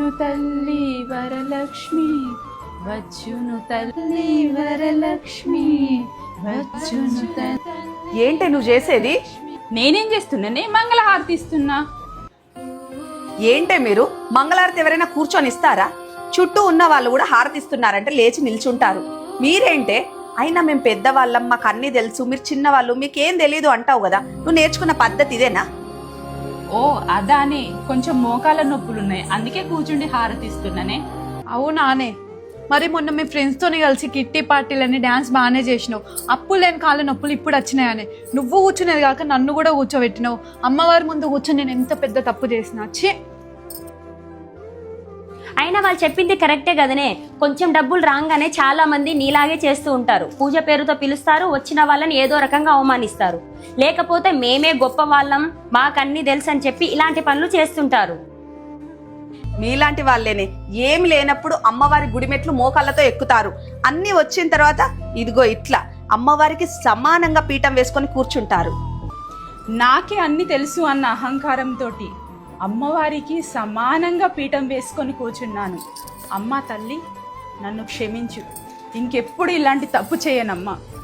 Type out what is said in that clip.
వచ్చును తల్లి వరలక్ష్మి, వచ్చును తల్లి వరలక్ష్మి, వచ్చును తల్లి. ఏంటి నువ్వు చేసేది? నేనేం చేస్తున్నానే? మంగళహారతి ఇస్తున్నా. ఏంటే మీరు మంగళారతి ఎవరైనా కూర్చొని ఇస్తారా? చుట్టూ ఉన్న వాళ్ళు కూడా హారతిస్తున్నారంటే లేచి నిల్చుంటారు. మీరేంటే? అయినా మేము పెద్దవాళ్ళం, మాకు అన్నీ తెలుసు, మీరు చిన్నవాళ్ళు, మీకేం తెలీదు అంటావు కదా. నువ్వు నేర్చుకున్న పద్ధతి ఇదేనా? ఓ అదానే, కొంచెం మోకాల నొప్పులున్నాయి, అందుకే కూర్చుండి హారతి ఇస్తున్నానే. అవునానే? మరి మొన్న మీ ఫ్రెండ్స్తోని కలిసి కిట్టి పార్టీలని డ్యాన్స్ బాగానే చేసినావు. అప్పులు లేని కాళ్ళ నొప్పులు ఇప్పుడు వచ్చినాయని నువ్వు కూర్చునేది కాక నన్ను కూడా కూర్చోబెట్టినావు. అమ్మవారి ముందు కూర్చొని నేను ఎంత పెద్ద తప్పు చేసినా. ఛీ! అయినా వాళ్ళు చెప్పింది కరెక్టే కదనే. కొంచెం డబ్బులు రాగానే చాలా మంది నీలాగే చేస్తూ ఉంటారు. పూజ పేరుతో పిలుస్తారు, వచ్చిన వాళ్ళని ఏదో రకంగా అవమానిస్తారు. లేకపోతే మేమే గొప్ప వాళ్ళం, మాకన్నీ తెలుసు అని చెప్పి ఇలాంటి పనులు చేస్తుంటారు. మీలాంటి వాళ్ళేనే ఏమి లేనప్పుడు అమ్మవారి గుడిమెట్లు మోకాళ్ళతో ఎక్కుతారు. అన్నీ వచ్చిన తర్వాత ఇదిగో ఇట్లా అమ్మవారికి సమానంగా పీఠం వేసుకొని కూర్చుంటారు. నాకే అన్ని తెలుసు అన్న అహంకారంతో అమ్మవారికి సమానంగా పీఠం వేసుకొని కూర్చున్నాను. అమ్మ తల్లి, నన్ను క్షమించు, ఇంకెప్పుడు ఇలాంటి తప్పు చేయనమ్మా.